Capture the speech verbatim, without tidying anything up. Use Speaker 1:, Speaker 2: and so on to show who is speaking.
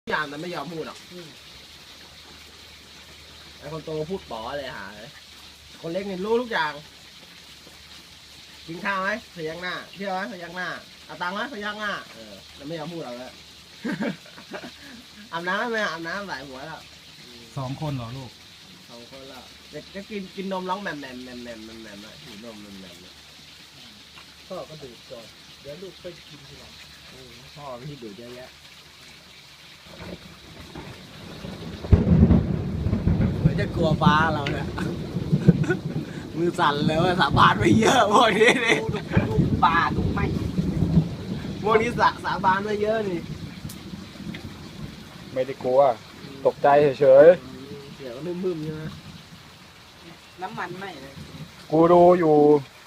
Speaker 1: อย่างแต่ไม่ยอมพูดหรอกไอ้คนโตพูดป๋อเลยหาเลยคนเล็กนี่รู้ทุกอย่างกินข้าวไหมพยักหน้าเที่ยวไหมพยักหน้าเอาตังค์ไหมพยักหน้าเออแต่ไม่ยอมพูดเราเลยอาบน้ำไหมอาบน้ำหลายหัวแล้ว
Speaker 2: สองคนเหรอลูก
Speaker 1: สองคนแล้วเด็กก็กินกินนมร้องแหม่มแหม่มแหม่มแหม่มแหม่มแหม่มอ่ะหิวนมแหม่มแหม่ม
Speaker 3: พ่อก็ดูดก่อนเดี๋ยวลูกไปกินทีหลัง
Speaker 1: พ่อพี่ดูเยอะแยะเหมือนจะกลัวฟ้าเราเนี่ยมือสั่นเลยว่าสาบานไปเยอะพวกนี้นี่ดูปลาดูไม่พวกนี้สาสาบานไปเยอะนี่
Speaker 2: ไม่ได้กลัวตกใจเฉย
Speaker 1: เดี๋ยวก็มึมๆใช่ไหม
Speaker 3: น้ำมันไหมเลย
Speaker 2: ๆกูดูอยู่